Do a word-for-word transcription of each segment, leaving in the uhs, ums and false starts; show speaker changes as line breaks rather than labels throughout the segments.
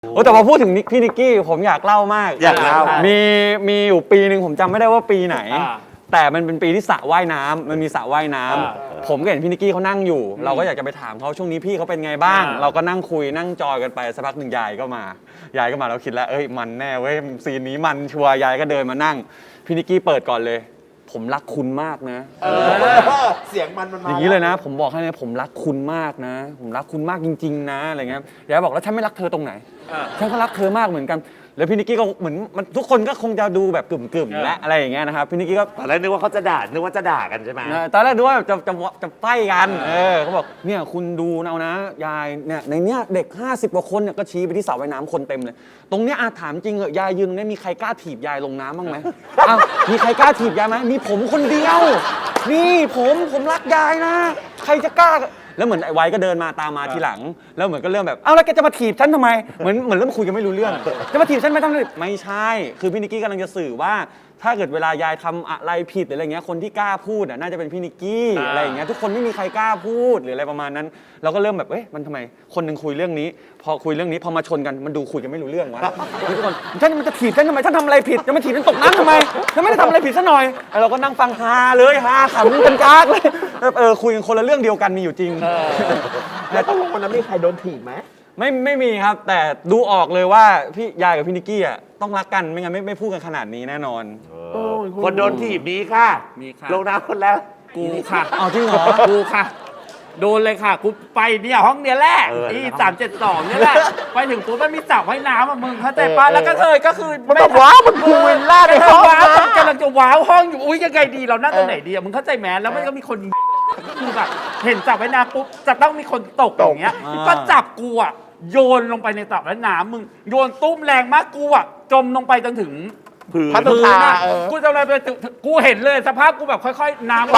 โอ้แต่พอพูดถึงพี่นิกกี้ผมอยากเล่ามาก
อยากเล่า
มีมีอยู่ปีหนึ่งผมจำไม่ได้ว่าปีไหนแต่มันเป็นปีที่สระว่ายน้ำมันมีสระว่ายน้ำผมก็เห็นพี่นิกกี้เขานั่งอยู่เราก็อยากจะไปถามเขาช่วงนี้พี่เขาเป็นไงบ้างเราก็นั่งคุยนั่งจอยกันไปสักพักหนึ่งยายก็มายายก็มาเราคิดแล้วเอ้ยมันแน่เว้ยซีนนี้มันชัวร์ยายก็เดินมานั่งพี่นิกกี้เปิดก่อนเลยผมรักคุณมากนะ
เสียงมันมันมา
อย่างนี้เลยนะผมบอกให้เลยผมรักคุณมากนะผมรักคุณมากจริงๆนะอะไรเงี้ยยายบอกแล้วฉันไม่รักเธอตรงไหนฉันก็รักเธอมากเหมือนกันแล้วพี่นิกกี้ก็เหมือนมันทุกคนก็คงจะดูแบบกึ่มๆและอะไรอย่างเงี้ยนะครับพี่นิกกี้ก็
ตอนแรกนึกว่าเขาจะด่านึกว่าจะด่ากันใช่ไหม
ตอนแรกนึกว่าจะจะจะไฟกันเออเขาบอกเนี่ยคุณดูเอานะยายเนี่ยในเนี้ยเด็กห้าสิบกว่าคนเนี่ยก็ชี้ไปที่สระว่ายน้ำคนเต็มเลยตรงเนี้ยอาถามจริงเหอะยายยืนตรงนี้มีใครกล้าถีบยายลงน้ำบ้างไหมอ้าวมีใครกล้าถีบยายไหมมีผมคนเดียวนี่ผมผมรักยายนะใครจะกล้าแล้วเหมือนไอ้ไว้ก็เดินมาตามมาทีหลังแล้วเหมือนก็เริ่มแบบเอ้าแล้วแกจะมาถีบฉันทำไมเหมือนเหมือนเริ่มคุยกันไม่รู้เรื่องจะมาถีบฉันไม่ทำเลยไม่ใช่คือพี่นิกกี้กำลังจะสื่อว่าถ้าเกิดเวลายายทำอะไรผิดหรืออะไรเงี้ยคนที่กล้าพูดน่าจะเป็นพี่นิกกี้อะไรอย่างเงี้ยทุกคนไม่มีใครกล้าพูดหรืออะไรประมาณนั้นเราก็เริ่มแบบเอ๊ะมันทำไมคนหนึ่งคุยเรื่องนี้พอคุยเรื่องนี้พอมาชนกันมันดูคุยกันไม่รู้เรื่องวะทุกคนฉันมันจะถีบฉันทำไมฉันทำอะไรผิดจะมาถีบฉันตกน้ำทำไมฉันไม่ได้ทำอะไรผิดซะหน่อยเราก็นั่งฟังฮาเลยฮาขำกันกากเลยเออคุยกันคนละเรื่องเดียวกันมีอยู่จริง
แล้วต้องวันนั้นมีใครโดนถีบไหม
ไม่ไม่มีครับแต่ดูออกเลยว่าพี่ยายกับพี่นิกกี้อ่ะต้องรักกันไม่งั้นไม่ไม่พูดกันขนาดนี้แน่นอน
คนโดนถีบมีค่ะ
มีค่ะ
ลงน้ำคนแล้ว
กูค่ะ
เอาจริงเหรอ
กูค่ะโดนเลยค่ะกูไปเนี่ยห้องเนี้ยแหละอีสามเจ็ดสองเนี่ยแหละไปถึงปุ๊บมันมีสระว่ายน้ำอ่ะมึงเข้าใจปะแล้วก็เธอก็คือ
มันแบบว้าวมันพูลล่าในห้อง
ว้าวกำลังจะว้าวห้องอยู่อุ้ยยังไงดีเรานั่งตรงไหนดีอ่ะมึงเข้าใจไหมแล้วมันก็มีคนคือแบบเห็นสระว่ายน้ำปุ๊บจะต้องมีคนตกอย่างเงี้ยก็จับกูอ่ะโยนลงไปในสระว่ายน้ำมึงโยนตุ้มแรงมากกูอ่ะจมลงไปจนถึง
พื้น
พื้นน่ะ
กูจะอะไรไปกูเห็นเลยสภาพกูแบบค่อยๆน้ำ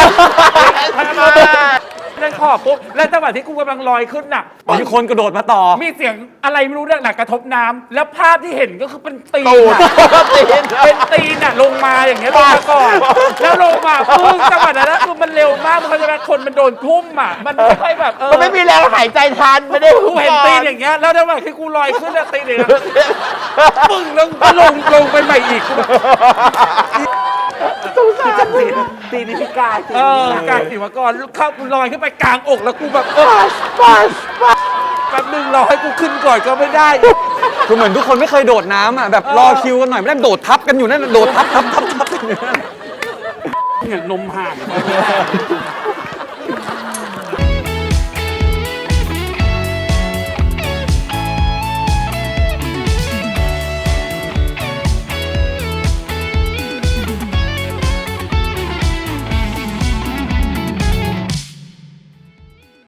เล่นขอบปุ๊บแล้วจังหวะที่กูกำลังลอยขึ้นน่ะ
มีคนกระโดดมาต่อ
มีเสียงอะไรไม่รู้เนี่ยหนักกระทบน้ำแล้วภาพที่เห็นก็คือเป็นตีนเป็นตีนน่ะลงมาอย่างเงี้ยลงมาก่อนแล้วลงมาปึ้งจังหวะนั้นคือมันเร็วมากมันเขาจะแบบคนมันโดนทุ่มอ่ะมันไม่ค่อยแบบเออ
มันไม่มีแรงหายใจทันไม่ได้
กูเห็นตีนอย่างเงี้ยแล้วจังหวะที่กูลอยขึ้นแล้วตีนเนี่ยปึ้งแล้วก็ลงลงไปใหม่อีก
ตู้สารตีนตีนพิการ
เออกางสิวกรเข้าลอยขึ้นไปกลางอกแล้วกูแบบปัส
ปัส
แป๊บนึงรอให้กูขึ้นก่อนก็ไม่ได้
คือเหมือนทุกคนไม่เคยโดดน้ำอ่ะแบบรอคิวกันหน่อยไม่ได้โดดทับกันอยู่นั่นโดดทับทับทับทับกันอยู่นั่น
เนี่ยนมห่าง